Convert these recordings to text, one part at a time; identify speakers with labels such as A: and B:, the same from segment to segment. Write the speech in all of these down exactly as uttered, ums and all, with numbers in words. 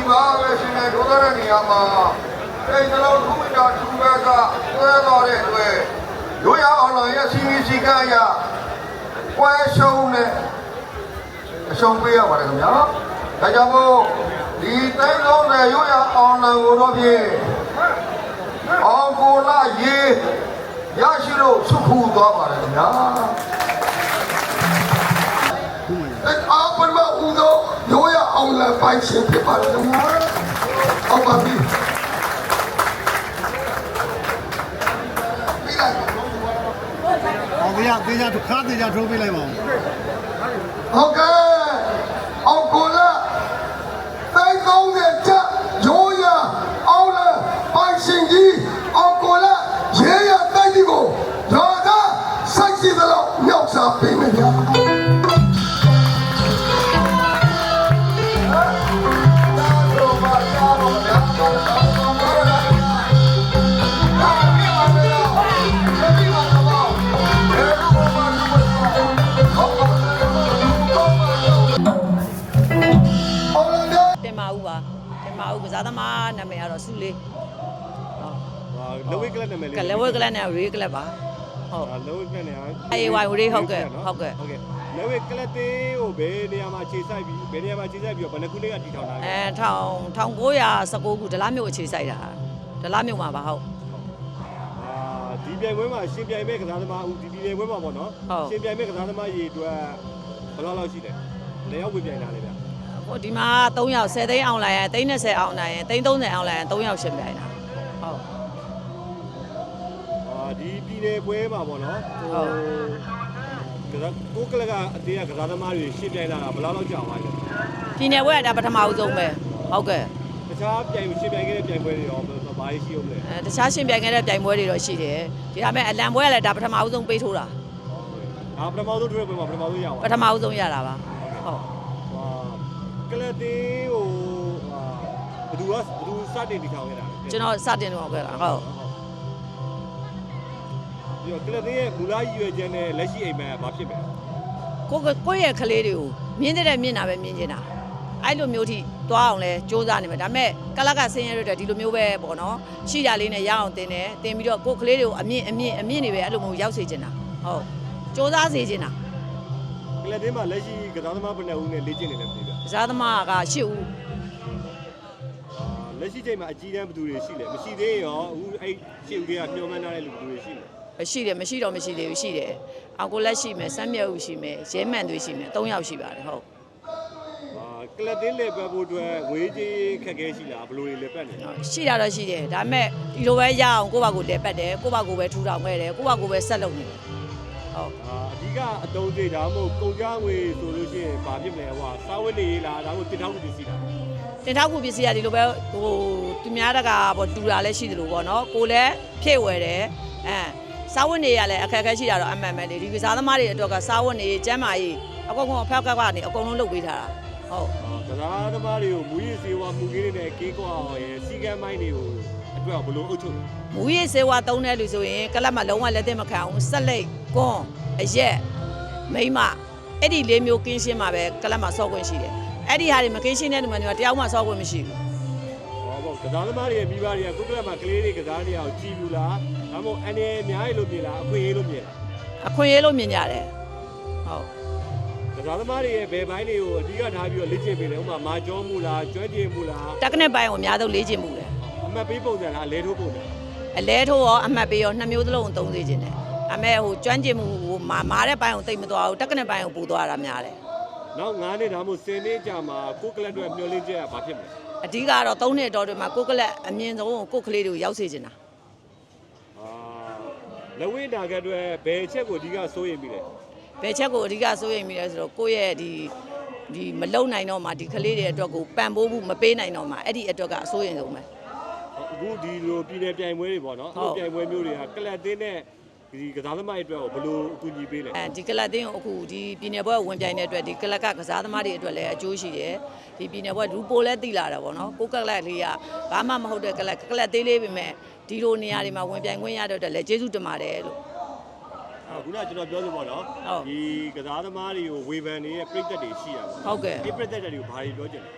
A: သားပဲရှင်နေထိုးတဲ့နေရာမှာစိတ်နှလုံးထူးတာထူးဘက်ကသွဲတော်တဲ့အတွက်ရိုးရအောင်လို့ရဲ့စီမီစီကရကွဲရှုံးနဲ့အရှုံးပေးရပါတယ်ခင်ဗျာဒါကြောင့်မို့ဒီတိုင်းလုံးတဲ့ရိုးရအောင်လံကိုတော့ဖြင့်အောင်ကိုလာရေးရရှိလို့စုခုသွားပါတယ်ခင်ဗျာအားပမဦးသောရိုးရအောင်လံပိုင်ရှင်ဖြစ်ပါတယ်ခင်ဗျာအောင်ပါပြီ
B: အောင်ရသေးကြတစ်ခါသေးကြထိုးပေးလိုက်ပါဦး
A: ဟုတ်ကဲ့အောင်ကိုလာတိုင်းကောင်းတဲ့ချက်ရိုးရအောင်လံပိုင်ရှင်ကြီးအောင်ကိုလာရေရတိုက်ဒီကိုရာသာစိုက်စီသလောက်မြောက်စားပေးမယ်ဗျာ
C: ကစားသမားနာမည်ကတော့စုလေး
B: ဟုတ်လဝိကလပ်နာမည်လေး
C: ကလဝိကလပ်နဲ့ရေကလပ်ပါဟုတ်
B: လဝိကလပ်နဲ့
C: အေးဝိုင်ဝရေးဟုတ်ကဲ့ဟုတ်ကဲ့
B: ဟုတ်ကဲ့လဝိကလပ်တေးကိုဘယ်နေရာမှာခြေဆိုင်ပြီးဘယ်နေရာမှာခြေဆိုင်ပြီးတော့ဘယ်နှခုလေးကတည်ထောင်တာလဲ
C: အဲထောင်၁၉၁၉ခုဒလားမြို့အခြေဆိုင်တာဒလားမြို့မှာပါဟုတ်
B: အာဒီပြိုင်ပွဲမှာရှင်ပြိုင်မဲ့ကစားသမားဦးဒီပြိုင်ပွဲမှာပေါ့နော်ရှင်ပြိုင်မဲ့ကစားသမားရေအတွက်ဘယ်လောက်လောက်ရှိလဲလေရောက်ဝင်ပြိုင်တာလေဗျ
C: ဟိုဒီမှာ၃ယောက်၁၀သိန်းအောင်လိုက်ရင်၃၂၀အောင်လိုက်ရင်၃၃၀အောင်လိုက်ရင်၃ယောက်ရှင်ပြိုင်တာဟုတ်
B: အာဒီပြည်နယ်ပွဲမှာပေါ့နော်
C: ဟုတ်
B: ကစားကိုကလကအတေးကကစားသမားတွေရှင်ပြိုင်လာတာဘယ်လောက်လောက်ကြာသွားလဲ
C: ပြည်နယ်ပွဲကဒါပထမအဆုံးပဲဟုတ်ကဲ့
B: တခြားပြိုင်ရှင်ပြိုင်ခဲ့တဲ့ပြိုင်ပွဲတွေရောဘာရှိရှိအောင်လဲ
C: အဲတခြားရှင်ပြိုင်ခဲ့တဲ့ပြိုင်ပွဲတွေတော့ရှိတယ်ဒီဒါမဲ့အလံပွဲကလည်းဒါပထမအဆုံးပေးထိုးတာ
B: အာပထမဆုံးထိုးတဲ့ပွဲမှာပထမဆုံးရပါ
C: ပထမအဆုံးရတာပါဟုတ်
B: ကလတေးဟိုဘယ်သူကဘယ်သူစတင်တည်ထောင်ခဲ့တာလဲ
C: ကျွန်တော်စတင်တော့ခဲ့တာဟုတ်
B: ဒီကလတေးရဲ့မူလရည်ရွယ်ချက်နဲ့လက်ရှိအိမ်မက်ကဘာဖြစ်မလဲ
C: ကိုကိုရဲ့ကလေးတွေကိုမြင်းတဲ့မြင့်တာပဲမြင်နေတာအဲ့လိုမျိုးထိသွားအောင်လဲစူးစမ်းနေမှာဒါပေမဲ့ကလကဆင်းရဲတဲ့ဒီလိုမျိုးပဲပေါ့နော်ရှိကြလေးနဲ့ရအောင်တင်တယ်တင်ပြီးတော့ကိုကလေးတွေကိုအမြင့်အမြင့်အမြင့်နေပဲအဲ့လိုမျိုးရောက်စေချင်တာဟုတ်စူးစမ်းစေချင်တာ
B: ကလတင်းမှာလက်ရှိကစားသမားဘယ်နှဦးနဲ့လေ့ကျင့်နေလဲမသိဘူး
C: ကစားသမားက၈ဦး
B: အာလက်ရှိချိန်မှာအကြီးတန်းဘယ်သူတွေရှိလဲမရှိသေးရောအခုအဲ့၈ဦးတွေကညှို့မှန်းထားတဲ့လူဘယ်သူတွေရှိလဲ
C: ရှိတယ်မရှိတော့မရှိသေးဘူးရှိတယ်အောင်ကိုလက်ရှိမယ်စမ်းမြတ်ဦးရှိမယ်ရဲမှန်တွေရှိမယ်၃ယောက်ရှိပါတယ်ဟုတ်
B: အာကလတင်းလေပတ်ဖို့အတွက်ဝေးကြီးခက်ခဲရှိလားဘယ်လိုတွေလေပတ်နေ
C: ရှိတာတော့ရှိတယ်ဒါပေမဲ့ဒီလိုပဲရအောင်ကိုယ့်ဘာကိုလေပတ်တယ်ကိုယ့်ဘာကိုပဲထူထောင်ခဲ့တယ်ကိုယ့်ဘာကိုပဲဆက်လုပ်နေတယ်
B: ဟုတ်အာအဓိကအတုံးသေးဒါမှမဟုတ်ကုန်ကြငွေဆိုလို့ရှိရင်ဘာဖြစ်မလဲဟိုစာဝတ်နေလားဒါမှမဟုတ်တင်ထောက်မှုပစ္စည်းလား
C: တင်ထောက်မှုပစ္စည်းကဒီလိုပဲဟိုသူများတကပေါ့တူတာလည်းရှိတယ်လို့ပေါ့နော်ကိုလည်းဖြည့်ဝယ်တယ်အဲစာဝတ်နေရလည်းအခက်အခဲရှိတာတော့အမှန်ပဲလေဒီကစားသမားတွေအတွက်ကစာဝတ်နေကျမ်းမာရေးအကုန်ကုန်အဖက်ကကနေအကုန်လုံးလုပ်ပေးထားတာဟုတ်
B: ကစားသမားတွေကိုမူရည်စေဝါမူကြီးတွေနဲ့ကေးကွာအောင်ရယ်စီကံမိုင်းတွေကိုအတွက်ဘယ်လိုအုပ်ချုပ်
C: မူရည်စေဝါသုံးတဲ့လူဆိုရင်ကလပ်မှာလုံးဝလက်သင့်မခံအောင်ဆက်လက်ကွန်းအရက်မိမအဲ့ဒီလေးမျိုးကင်းရှင်းမှာပဲကလပ်မှာစော့ခွင့်ရှိတယ်အဲ့ဒီဟာတွေမကင်းရှင်းတဲ့လူမျိုးတယောက်မှစော့ခွင့်မရှိဘူး
B: ဟောပေါ့ကစားသမားတွေရဲ့မိဘတွေကကိုကလပ်မှာကလေးတွေကစားနေအောင်ကြည်ဘူးလားဒါမှမဟုတ်အနေအများကြီးလို့မြင်လားအခွင့်အရေးလို့မြင်လား
C: အခွင့်အရေးလို့မြင်ကြတယ်ဟုတ်
B: ကစားသမားတွေရဲ့ဘယ်ပိုင်းတွေကိုအဓိကထားပြီးတော့လေ့ကျင့်ပေးတယ်ဥပမာမာကျောမှုလားကျွမ်းကျင်မှုလား
C: တက်ကနက်ပိုင်းကိုအများဆုံးလေ့ကျင့်မှုတယ်
B: အမှတ်ပေးပုံစံလားအလဲထိုးပုံစံ
C: အလဲထိုးရောအမှတ်ပေးရောနှစ်မျိုးသလုံးသုံးစေခြင်းတယ်အမေဟိုကျွမ်းကျင်မှုဟိုမာမာတဲ့ပိုင်းကိုတိတ်မသွားဘူးတက်ကနက်ပိုင်းကိုပူသွားတာများတယ်
B: နောက်ငါးနှစ်ဒါမှမဟုတ်ဆယ်နှစ်ကြာမှာကိုကလပ်တွေမျောလင်းချက်ကဘာဖြစ်မလဲ
C: အဓိကတော့သုံးနှစ်တော်တွေမှာကိုကလပ်အမြင့်ဆုံးကိုကလေးတွေကိုရောက်စေချင်တာ
B: အာလဝိတာကအတွက်ဘယ်ချက်ကိုအဓိကစိုးရိမ်ပြီးလဲ
C: ဘယ်ချက်ကိုအဓိကစိုးရိမ်ပြီးလဲဆိုတော့ကိုယ့်ရဲ့ဒီဒီမလုံနိုင်တော့မှဒီကလေးတွေအတွက်ကိုပံ့ပိုးမှုမပေးနိုင်တော့မှအဲ့ဒီအတွက်ကအစိုးရိမ်ဆုံးပဲ
B: အခုဒီလိုပြည်နယ်ပြိုင်ပွဲတွေပေါ့နော်အခုပြိုင်ပွဲမျိုးတွေကကလပ်တင်းနဲ့ဒီကစားသမားတွေအတွက်ကိုဘယ်လိုအကူအညီပေးလဲ
C: အဲဒီကလပ်တင်းကိုအခုဒီပြည်နယ်ပွဲဝင်ပြိုင်တဲ့အတွက်ဒီကလပ်ကကစားသမားတွေအတွက်လည်းအကျိုးရှိတယ်ဒီပြည်နယ်ပွဲဒူပိုလည်းသိလာတာပေါ့နော်ကိုကလပ်လေးကဘာမှမဟုတ်တဲ့ကလပ်ကလပ်သေးလေးပဲမဲ့ဒီလိုနေရာတွေမှာဝင်ပြိုင်ခွင့်ရတဲ့အတွက်လည်းကျေးဇူးတင်ပါတယ်လို့
B: ခုနကကျွန်တော်ပြောလို့ပေါ့နော်ဒီကစားသမားတွေကိုဝေဖန်နေတဲ့ပြည်သက်တွေရှိရပါ
C: ဟုတ်ကဲ့
B: ဒီပြည်သက်တွေကိုဘာတွေပြောချင်လဲ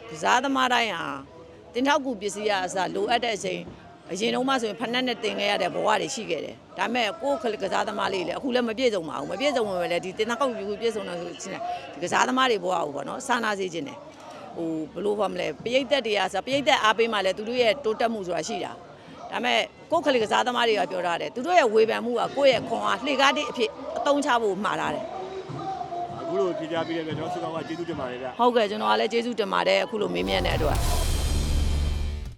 C: ကစားသမားတိုင်းဟာတင်ထောက်ကူပစ္စည်းအစလိုအပ်တဲ့အချိန်အရင်တော့မှဆိုရင်ဖက်နက်နဲ့တင်ခဲ့ရတဲ့ဘဝတွေရှိခဲ့တယ်ဒါပေမဲ့ကိုယ်ကစားသမားလေးလည်းအခုလည်းမပြည့်စုံပါဘူးမပြည့်စုံဝင်ပဲလေဒီတင်ထောက်ကူပြည့်စုံတယ်ဆိုချင်းဒီကစားသမားတွေဘဝကိုပေါ့နော်စာနာစေခြင်းတယ်ဟိုဘလို့ဖော်မလဲပရိသတ်တွေကဆိုပရိသတ်အားပေးမှလည်းသူတို့ရဲ့တိုးတက်မှုဆိုတာရှိတာဒါပေမဲ့ကိုယ်ကစားသမားတွေကပြောထားတယ်သူတို့ရဲ့ဝေဖန်မှုကကိုယ့်ရဲ့ခွန်အားလှေကားတဲ့အဖြစ်အသုံးချဖို့မှားထားတယ်
B: အခုလိုဖြေကြားပေးတဲ့အတွက်ကျွန်တော်စုကောင်းကကျေးဇူးတင်ပါတယ်ဗျ
C: ဟုတ်ကဲ့ကျွန်တော်ကလည်းကျေးဇူးတင်ပါတယ်အခုလိုမေးမြန်းတဲ့အတွက်